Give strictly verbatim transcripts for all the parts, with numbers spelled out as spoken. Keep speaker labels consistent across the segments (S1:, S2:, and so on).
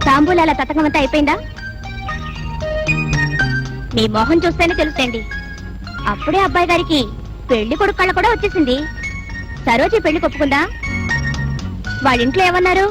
S1: తాంబూలాల తతకమంతా అయిపోయిందా? మీ మొహం చూస్తేనే తెలుసండి. అప్పుడే అబ్బాయి గారికి పెళ్లి కొడుకు కళ్ళ కూడా వచ్చేసింది. సరోజి పెళ్లి కొప్పుకుందా? వాళ్ళ ఇంట్లో ఏమన్నారు?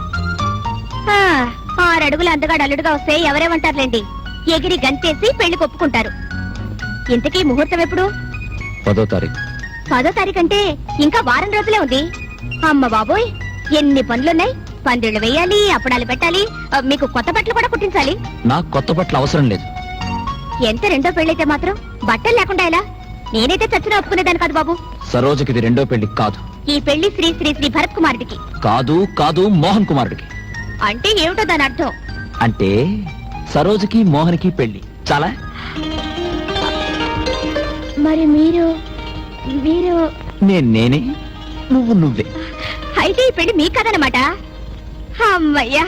S1: ఆరడుగులు అందగాడు అల్లుడుగా వస్తే ఎవరేమంటారులేండి, ఎగిరి గంతేసి పెళ్లి కొప్పుకుంటారు. ఇంతకీ ముహూర్తం ఎప్పుడు?
S2: పదో తారీఖు.
S1: పదో తారీఖు అంటే ఇంకా వారం రోజులే ఉంది. అమ్మ బాబోయ్, ఎన్ని పనులున్నాయి. పందిళ్లు వేయాలి, అప్పడాలు పెట్టాలి, మీకు కొత్త బట్టలు కూడా కుట్టించాలి.
S2: నాకు కొత్త బట్టలు అవసరం లేదు.
S1: ఎంత రెండో పెళ్ళైతే మాత్రం బట్టలు లేకుండా ఎలా? నేనైతే చచ్చిన ఒప్పుకునేదాన్ని కాదు బాబు.
S2: సరోజకి ఇది రెండో పెళ్లి కాదు.
S1: ఈ పెళ్లి శ్రీ శ్రీ శ్రీ భరత్ కుమారుడికి.
S2: కాదు కాదు మోహన్ కుమారుడికి.
S1: అంటే ఏమిటో దాని అర్థం?
S2: అంటే సరోజకి మోహన్కి పెళ్లి. చాలా.
S1: మరి మీరు మీరు
S2: నేను నేనే, నువ్వు నువ్వే.
S1: అయితే ఈ పెళ్లి మీ కదనమాట. అమ్మయ్యా.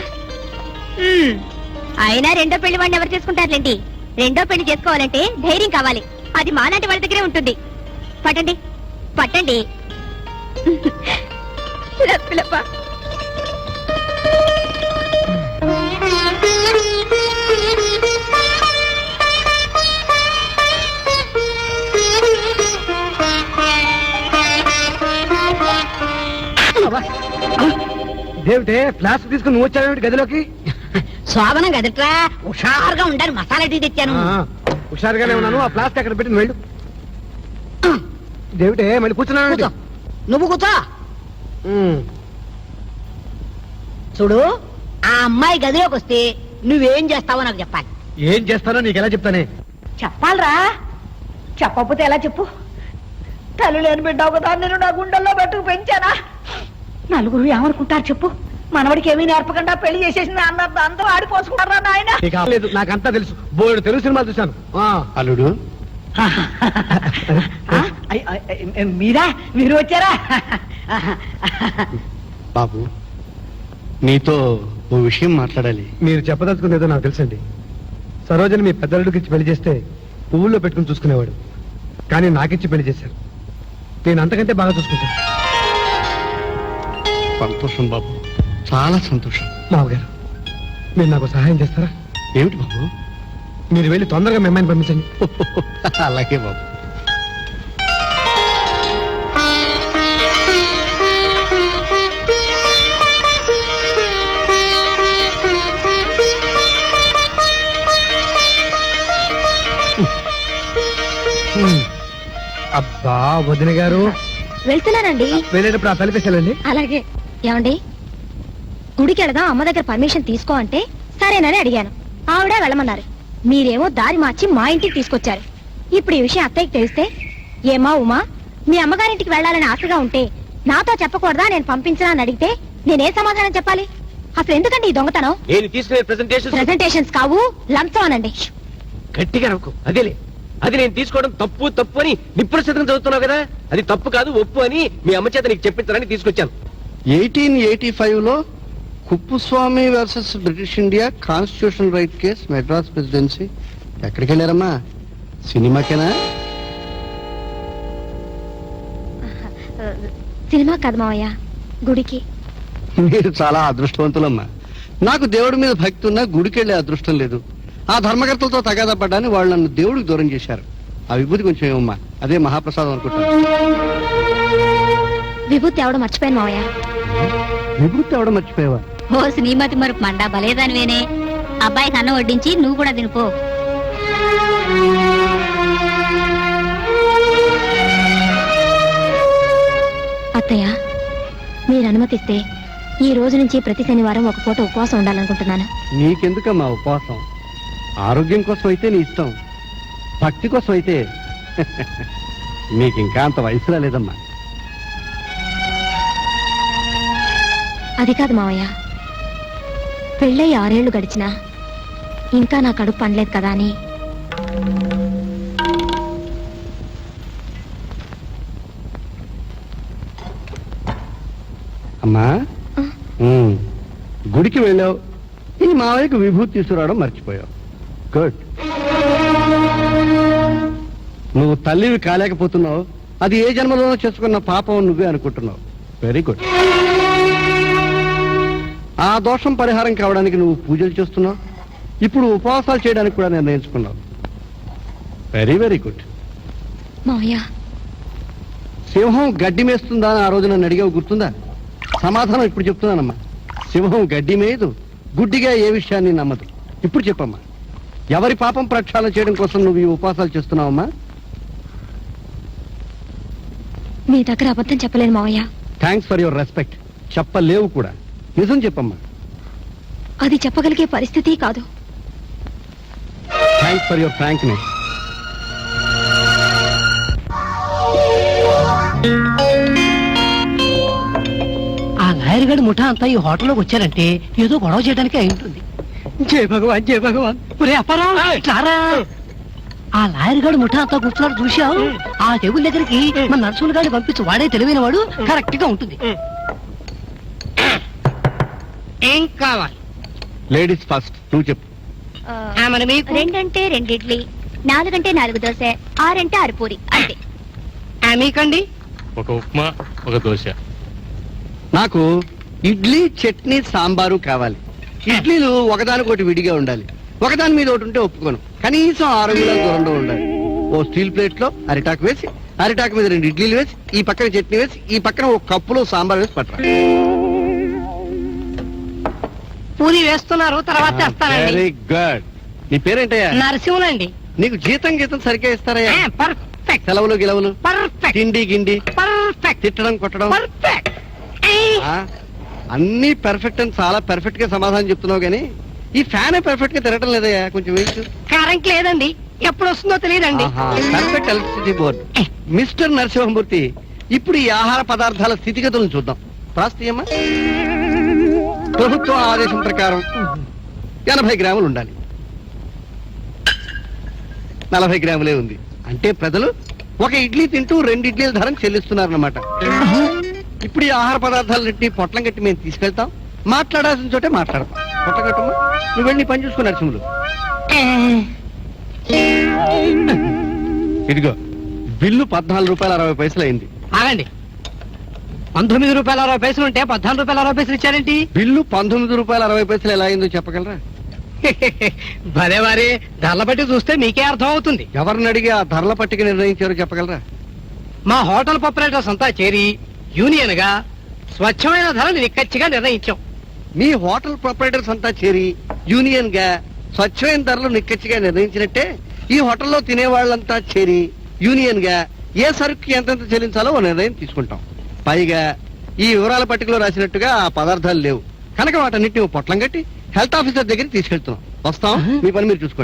S1: అయినా రెండో పెళ్లి వాడిని ఎవరు చేసుకుంటారులేండి. రెండో పెళ్లి చేసుకోవాలంటే ధైర్యం కావాలి. అది మాలాంటి వాళ్ళ దగ్గరే ఉంటుంది. పట్టండి పట్టండి.
S3: దేవుటే ఫ్లాస్క్ తీసుకుని నువ్వు వచ్చావేమిటి గదిలోకి?
S4: శోభనం గదిట్రా, హుషారుగా ఉండాలి. మసాలా టీ తెచ్చాను.
S3: హుషారుగానే ఉన్నాను. ఆ ఫ్లాస్క్ అక్కడ పెట్టి వెళ్ళు. దేవుటే మళ్ళీ కూర్చున్నావు.
S4: నువ్వు కూర్చో. చూడు, ఆ అమ్మాయి గదిలోకి వస్తే నువ్వేం చేస్తావో నాకు చెప్పాలి.
S3: ఏం చేస్తానో నీకు ఎలా చెప్తానే?
S4: చెప్పాలరా, చెప్పకపోతే ఎలా చెప్పు? తల్లి లేని బిడ్డావు కదా, నేను నా గుండెల్లో పెట్టుకు పెంచానా? నలుగురు ఏమనుకుంటారు చెప్పు? మనవడికి ఏమీ నేర్పకుండా పెళ్లి చేసేసింది అన్నారు. అందరూ ఆడిపోసుకుంటారా నాయన?
S3: లేదు, నాకంతా తెలుసు. బోర్డు తెలుగు సినిమాలు చూశాను.
S5: అల్లుడు
S4: మీరా? మీరు వచ్చారా?
S5: బాబు, నీతో ఓ విషయం మాట్లాడాలి.
S3: మీరు చెప్పదలుచుకునేదో నాకు తెలుసండి. సరోజని మీ పెద్దలుడికి ఇచ్చి పెళ్లి చేస్తే పువ్వుల్లో పెట్టుకుని చూసుకునేవాడు. కానీ నాకిచ్చి పెళ్లి చేశారు. నేను అంతకంటే బాగా చూసుకుంటాను.
S5: సంతోషం బాబు, చాలా సంతోషం.
S3: మావగారు, మీరు నాకు సహాయం చేస్తారా?
S5: ఏమిటి బాబు?
S3: మీరు వెళ్ళి తొందరగా మీ అమ్మాయిని పంపించండి.
S5: అలాగే బాబు.
S3: అబ్బా వదిన గారు,
S1: వెళ్తున్నానండి.
S3: వెళ్ళేటప్పుడు ఆ తలిపేసాలండి.
S1: అలాగే. ఏమండి, గుడికి వెళదాం, అమ్మ దగ్గర పర్మిషన్ తీసుకో అంటే సరేనని అడిగాను. ఆవిడే వెళ్ళమన్నారు. మీరేమో దారి మార్చి మా ఇంటికి తీసుకొచ్చారు. ఇప్పుడు ఈ విషయం అత్తయ్యకి తెలిస్తే, ఏమా ఉమా, మీ అమ్మగారింటికి వెళ్ళాలని ఆశగా ఉంటే నాతో చెప్పకూడదా నేను పంపించనా అని అడిగితే నేనే సమాధానం చెప్పాలి? అసలు ఎందుకండి ఈ దొంగతనం?
S6: నేను తీసుకునే ప్రెజెంటేషన్
S1: ప్రెజెంటేషన్స్ కావు, లంచం అనండి.
S6: గట్టిగా నవ్వుకో. అదేలే, అది నేను తీసుకోవడం తప్పు తప్పు అని నిప్పుల శతకం చదువుతున్నావు కదా, అది తప్పు కాదు ఒప్పు అని మీ అమ్మ చేత నీకు చెప్పించాలని తీసుకొచ్చాను.
S5: ఎయిటీన్ ఎయిటీ ఫైవ్ లో Kuppuswami versus British India constitution right case, Madras presidency. ఎక్కడికి వెళ్ళారమ్మా? సినిమాకేనా?
S1: సినిమా కాదు మావయ్య, గుడికి.
S5: మీరు చాలా అదృష్టవంతులమ్మా. నాకు దేవుడి మీద భక్తి ఉన్నా గుడికి వెళ్ళే అదృష్టం లేదు. ఆ ధర్మకర్తలతో తగాదా పడ్డాన్ని వాళ్ళు నన్ను దేవుడికి దూరం చేశారు. ఆ విభూతి కొంచెం ఏమమ్మా, అదే మహాప్రసాదం అనుకుంటాను.
S1: విభూతి ఎవడో మర్చిపోయాను మావయ్య.
S5: విభూతి ఎవడో మర్చిపోయావా?
S1: ఓ శ్రీమతి మరపు మండా బలేదానివేనే. అబ్బాయికి అన్నం వడ్డించి నువ్వు కూడా తినిపో. అత్తయ్య, మీరు అనుమతిస్తే ఈ రోజు నుంచి ప్రతి శనివారం ఒక పూట ఉపవాసం ఉండాలనుకుంటున్నాను.
S5: నీకెందుకమ్మా ఉపవాసం? ఆరోగ్యం కోసం అయితే నీ ఇష్టం, భక్తి కోసం అయితే నీకింకా అంత వయసులా లేదమ్మా.
S1: అది కాదు మావయ్య, పెళ్ళై ఆరేళ్లు గడిచినా ఇంకా నా కడుపు పండలేదు కదా అని.
S5: అమ్మా, గుడికి వెళ్ళావు, ఈ మావయ్యకు విభూతి తీసుకురావడం మర్చిపోయావు. గుడ్. నువ్వు తల్లివి కాలేకపోతున్నావు, అది ఏ జన్మలోనో చేసుకున్న పాపం నువ్వే అనుకుంటున్నావు. Very good. ఆ దోషం పరిహారం కావడానికి నువ్వు పూజలు చేస్తున్నావు, ఇప్పుడు ఉపవాసాలు చేయడానికి కూడా నిర్ణయించుకున్నావు. Very very good.
S1: మావయ్య
S5: సింహం గడ్డి మేస్తుందా అని ఆ రోజు నన్ను అడిగావు, గుర్తుందా? సమాధానం ఇప్పుడు చెప్తున్నానమ్మా. సింహం గడ్డి మేయదు, గుడ్డిగా ఏ విషయాన్ని నమ్మదు. ఇప్పుడు చెప్పమ్మా, ఎవరి పాపం ప్రక్షాళన చేయడం కోసం నువ్వు ఈ ఉపవాసాలు చేస్తున్నావమ్మా?
S1: మీ దగ్గర అబద్ధం చెప్పలేను మావయ్య.
S5: Thanks for your respect. చెప్పలేవు కూడా. నిజం చెప్పమ్మా.
S1: అది చెప్పగలిగే పరిస్థితి కాదు.
S5: Thanks for your frankness.
S7: ఆ లాయర్ గడి ముఠా అంతా ఈ హోటల్లోకి వచ్చారంటే ఏదో గొడవ చేయడానికి అయి ఉంటుంది. జయ భగవాన్ జయ భగవాన్. ఒరే అప్పారావు, ఇట్లారా. ఆ లాయర్ గడి ముఠా అంతా కూర్చున్నాడు చూశావు. ఆ టేబుల్ దగ్గరికి మన నర్సులు గారిని పంపించి వాడే తెలివైన వాడు కరెక్ట్ గా ఉంటుంది. ఏం కావాలి?
S5: లేడీస్ ఫస్ట్, నువ్వు చెప్పు.
S7: మరి మీకు
S1: రెండంటే రెండు ఇడ్లీ, నాలుగంటే నాలుగు దోశ, ఆరంటే ఆరు పూరి అంతే.
S7: ఆ, మీకండి?
S8: ఒక ఉప్మా, ఒక దోశ.
S5: నాకు ఇడ్లీ, చట్నీ, సాంబారు కావాలి. ఇడ్లీలు ఒకదానికొకటి విడిగా ఉండాలి. ఒకదాని మీద ఒకటి ఉంటే ఒప్పుకోను. కనీసం ఆరు అంగుళాల దూరంలో ఉండాలి. ఓ స్టీల్ ప్లేట్ లో అరిటాకు వేసి, అరిటాకు మీద రెండు ఇడ్లీలు వేసి, ఈ పక్కన చట్నీ వేసి, ఈ పక్కన ఒక కప్పులో సాంబార్ వేసి పట్టరా.
S7: పూరి వేస్తున్నారు, తర్వాత వేస్తానండి.
S5: Very good. నీ పేరేంటయ్యా?
S7: నరసింహులండి.
S5: నీకు జీతం గీతం సరిగ్గా ఇస్తారయ్యా?
S7: పర్ఫెక్ట్
S5: సెలవులు గిలవులు,
S7: పర్ఫెక్ట్
S5: తిండి గిండి,
S7: పర్ఫెక్ట్
S5: తిట్టడం కొట్టడం,
S7: పర్ఫెక్ట్.
S5: ఆ, అన్ని పర్ఫెక్ట్ అని చాలా పర్ఫెక్ట్ గా సమాధానం చెప్తున్నావు గానీ ఈ ఫ్యాన్ పర్ఫెక్ట్ గా తిరగటం లేదయ్యా, కొంచెం వేయచ్చు.
S7: కరెంట్ లేదండి, ఎప్పుడు వస్తుందో తెలియదండి.
S5: Perfect electricity board. Mister Narasimhamurthy, ఇప్పుడు ఈ ఆహార పదార్థాల స్థితిగతులను చూద్దాం. ప్రాస్తీయమ్మా. ప్రభుత్వ ఆదేశం ప్రకారం ఎనభై గ్రాములు ఉండాలి. నలభై గ్రాములే ఉంది. అంటే ప్రజలు ఒక ఇడ్లీ తింటూ రెండు ఇడ్లీల ధరం చెల్లిస్తున్నారన్నమాట. ఇప్పుడు ఈ ఆహార పదార్థాలన్నింటినీ పొట్లం కట్టి మేము తీసుకెళ్తాం. మాట్లాడాల్సిన చోటే మాట్లాడతాం. పొట్లం కట్టమ్మా, నువ్వు వెళ్ళి పని చూసుకుని నరసింహులు. ఇదిగో బిల్లు పద్నాలుగు రూపాయల అరవై పైసలు అయింది.
S7: ఆగండి. పంతొమ్మిది రూపాయల అరవై పైసలు ఉంటే పద్నాలుగు రూపాయల అరవై పైసలు ఇచ్చారేంటి?
S5: బిల్లు పంతొమ్మిది రూపాయల అరవై పైసలు ఎలా అయిందో చెప్పగలరా?
S7: భలే వారి ధరల బట్టి చూస్తే మీకే అర్థం అవుతుంది.
S5: ఎవరిని అడిగి ఆ ధరల పట్టిక నిర్ణయించారో చెప్పగలరా?
S7: మా హోటల్ ప్రొపరేటర్స్ అంతా చేరి యూనియన్ గా స్వచ్ఛమైన ధరలు నిక్కచ్చిగా నిర్ణయించాం.
S5: మీ హోటల్ ప్రొపరేటర్స్ అంతా చేరి యూనియన్ గా స్వచ్ఛమైన ధరలు నిక్కచ్చిగా నిర్ణయించినట్టే ఈ హోటల్లో తినే వాళ్ళంతా చేరి యూనియన్ గా ఏ సరుకు ఎంతెంత చెల్లించాలో ఓ నిర్ణయం తీసుకుంటాం. పైగా ఈ వివరాల పట్టికలో రాసినట్టుగా ఆ పదార్థాలు లేవు కనుక వాటన్నిటిని పొట్లం కట్టి హెల్త్ ఆఫీసర్ దగ్గరికి తీసుకెళ్తున్నాం. వస్తాం, మీ పని మీరు చూసుకోండి.